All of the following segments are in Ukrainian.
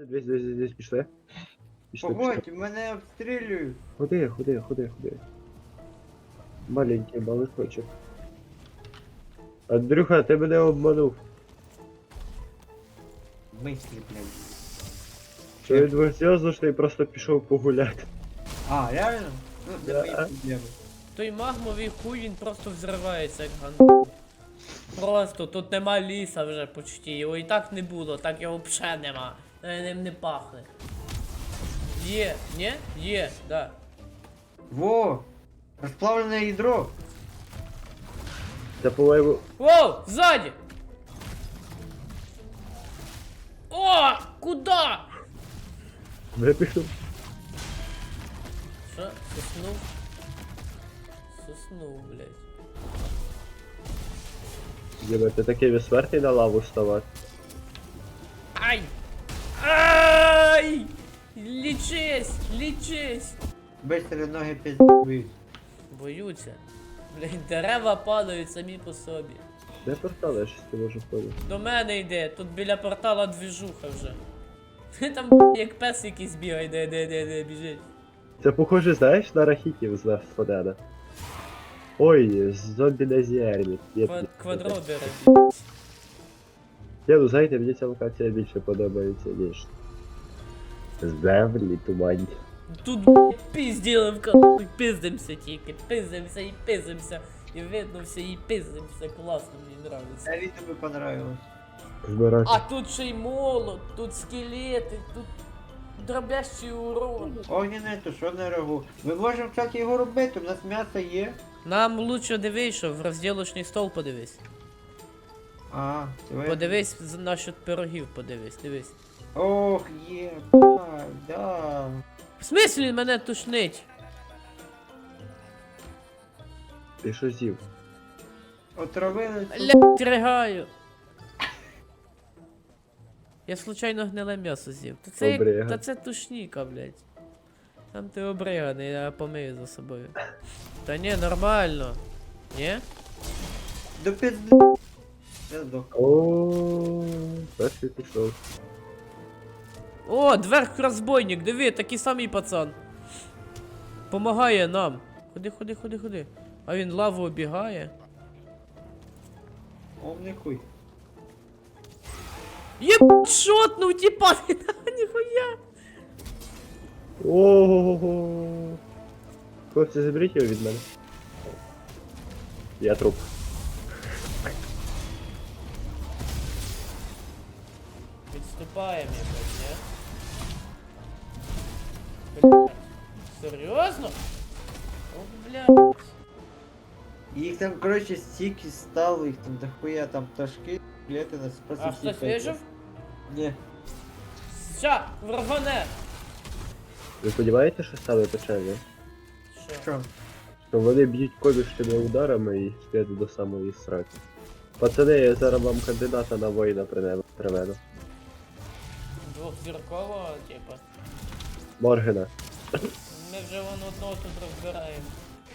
Десь, пішли. Пішли. Погодь, мене обстрілюють. Ходи. Маленький малышочок. Андрюха, ти мене обманув. Мислі, блядь. Що він серйозно, що я просто пішов погуляти. А, реально? Ну, це Да. мої проблеми. Той магмовий хуй, він просто взривається, як ган. Просто тут нема ліса вже почти. Його і так не було, так його взагалі нема. Ним не пахне. Є, ні? Є, да. Во! Розплавлене ядро. Це, по-моєму, Воу, ззаді! О, куда? випихнув. Що? Соснув? Соснув, блядь. Діма, ти такий безсмертний на лаву вставати. Ай! Ай! Лічись! Быстро ноги пиздують. Боються. Блядь, дерева падають самі по собі. Де портал, я щось не можу входити. До мене йде, тут біля портала двіжуха вже. Там б**, як пес якийсь бігає, де біжить. Це похоже, знаєш, на рахітів з Left 4 Dead. Ой, зомбі на зерні. Квадродери. Я, ну знаєте, мені ця локація більше подобається, ніж землі туманні. Тут б**, пізділи в кахуй, пиздимся тільки, пиздимся. І видно все, і пиздимся, класно, мені нравиться. Навіть тобі понравилось. Збирати. А тут ще й молот, тут скелети, тут дробящий урон. Огняне, то що не рагу. Ми можемо, кстати, його робити, у нас м'ясо є. Нам лучше дивись, що в розділочний стол подивись. А, це Подивись насчет пирогів, дивись. Ох, є, да. В смислі мене тушнить? Ти що з'їв? Отравили. Блять, ригаю. Я случайно гниле м'ясо з'їв. Обрига. Та це тушніка, блять. Там ти обриганий, я помию за собою. Та ні, нормально. Ні? До пизди. Я здох. О, перший пішов. О, дверх розбойник, диви, такий самий пацан. Помагає нам. Ходи. А він лаву обігає. Умний хуй. Єб, шотнув, тіпа, ніхуя. Ого. Хлопці, заберіть його від мене. Я труп. Відступаємо якось, не? Бля. Серйозно? О, бля. Їх там, коротше, стільки стало, їх там дохуя, там пташки, клети нас просто А всі хтось пекли. вижив? Ні. Ща, врагоне. Ви сподіваєтеся, що стане печально? Що? Що? Що вони б'ють колющими ударами і сп'ять до самої сраки. Пацани, я зараз вам кандидата на воїна приведу. Двохзіркового, типа. Моргена. Ми вже вон одного тут розбираємо.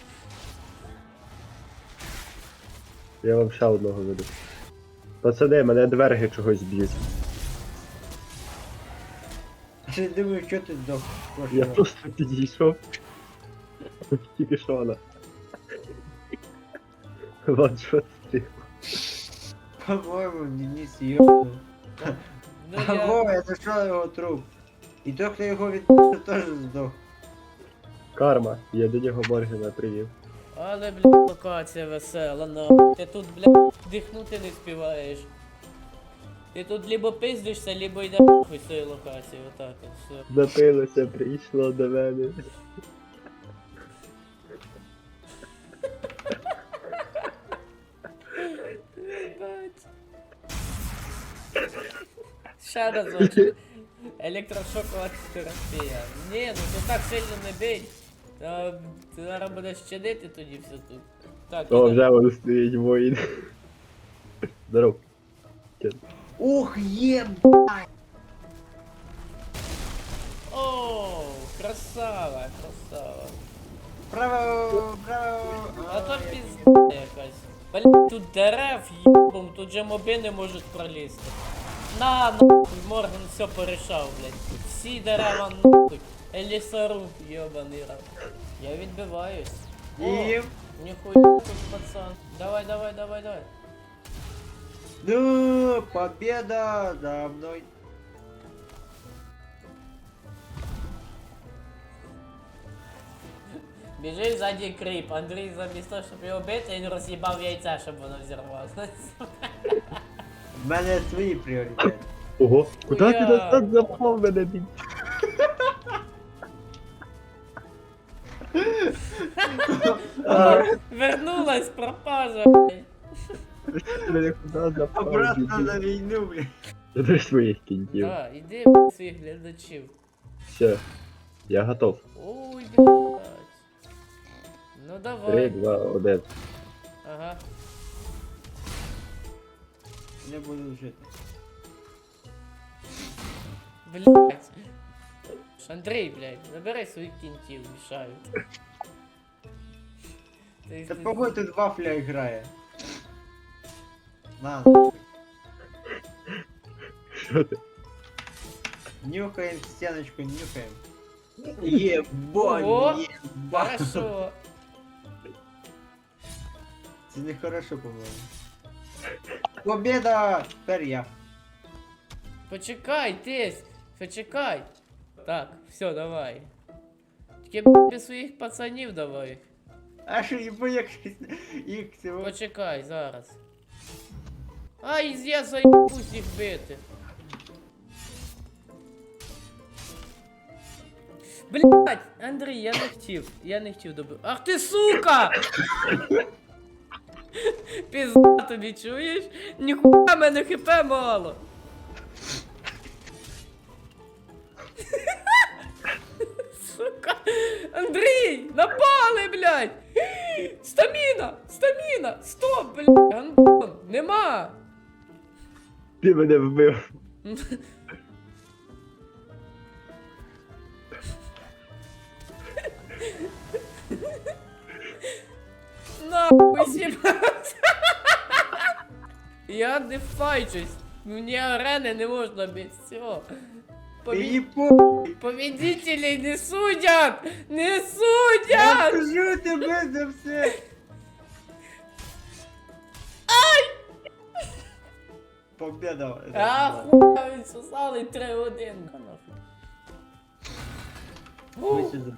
Я вам ще одного веду. Пацани, мене дверги чогось б'ють. Я думаю, що ти здох. Я просто підійшов. Тільки що вона. Ваншот стріл. По-моєму, Денис йобнув. Ну Ого, я знайшов його труп. І той, хто його відпустив, теж здох. Карма. Я до нього Моргена привів. Але, блядь, локація весела, на. Ти тут, блядь, дихнути не співаєш. Ти тут либо пиздишся, либо йдеш нахуй з цієї локації, отак от, все. Напилося, прийшло до мене. Ще разочок. Електрошокова терапія. Ні, ну ти так сильно не бий. Ти зараз будеш щадити тоді все тут. Так, О, іде. вже воно стоїть воїн. Здоров. Ух, є, О, красава. Браво, браво. А то пізда якась. Блін, тут дерев їбом, тут же моби не можуть пролізти. На, нахуй, Морган все порішав, блядь. Всі дерева нахуй. Елісаруб, йобаний раб. Я відбиваюсь. О, І... ніхуя тут, пацан. Давай, давай, давай, давай. Ну, победа за мной. Біжить ззаді кріп. Андрій замість того, щоб його бити, він роз'їбав яйця, щоб воно взірвалося. В мене свої пріоритети. Ого, куди ти Хуя. назад запав мене бій? Вернулась пропажа, блядь. Мене куди запав? Обратно на війну, блядь. Я до своїх кінтів. Да, іди, блядь, своїх глядачів. Все, я готов. Ой, блядь. Ну 3, давай. 2, 1. Ага. Не буду жити. Блядь. Андрій, блядь, забирай своїх кінтів, мішають. Та погодь, тут вафля грає. На, Що ти? нюхаем стеночку, нюхаем. Ебать, Ого. ебать. Хорошо. Це не хорошо, по-моєму. Победа! Тепер я. Почекай, тесь, почекай. Так, все, давай. Тільки б, без своїх пацанів давай. А що, як їх цього? Почекай, зараз. Ай, я заїбусь їх бити. Блять, Андрій, я не хотів добити. Ах ти сука! Пізда тобі, чуєш? Ніхуя мене хп мало. Сука! Андрій! Напали, блядь! Стаміна! Стоп, блядь! Гандон! Нема! Ти мене вбив. Нахуй сібався! Я не файчусь! Мені арени не можна без цього. Мені по... Победителей не судят! Не Я судят! скажу тебе за все! Победа! Ахуя, він сосали 3-1. Ви сюди.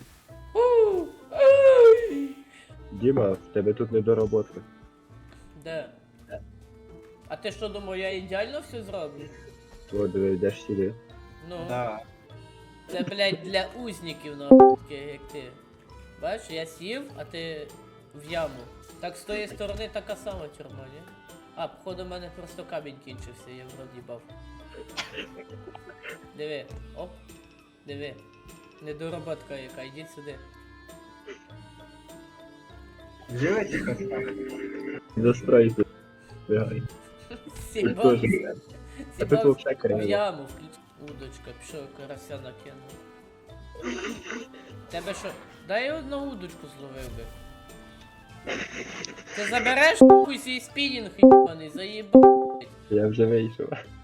Діма, в тебе тут недоработка. Де? А ти що думав, я ідеально все зроблю? От йдеш сюди. Ну, Да. це, блядь, для узників, нахуй, таких, як ти. Бачиш, я сів, а ти в яму. Так з тої сторони така сама тюрма, ні? А, походу, в мене просто камінь кінчився, я вроді їбав. Диви, оп, диви. Недороботка яка, йдіть сюди. Живете как так? Застройся. Бігай. Ти Сібав, теж. А тут сібав вообще в криво. яму, включ... Удочка, пішов, карася накинув. Тебе що? Дай я одну удочку зловив би. Ти забереш хуй свій спінінг, їбаний, заїбав. Я вже вийшов.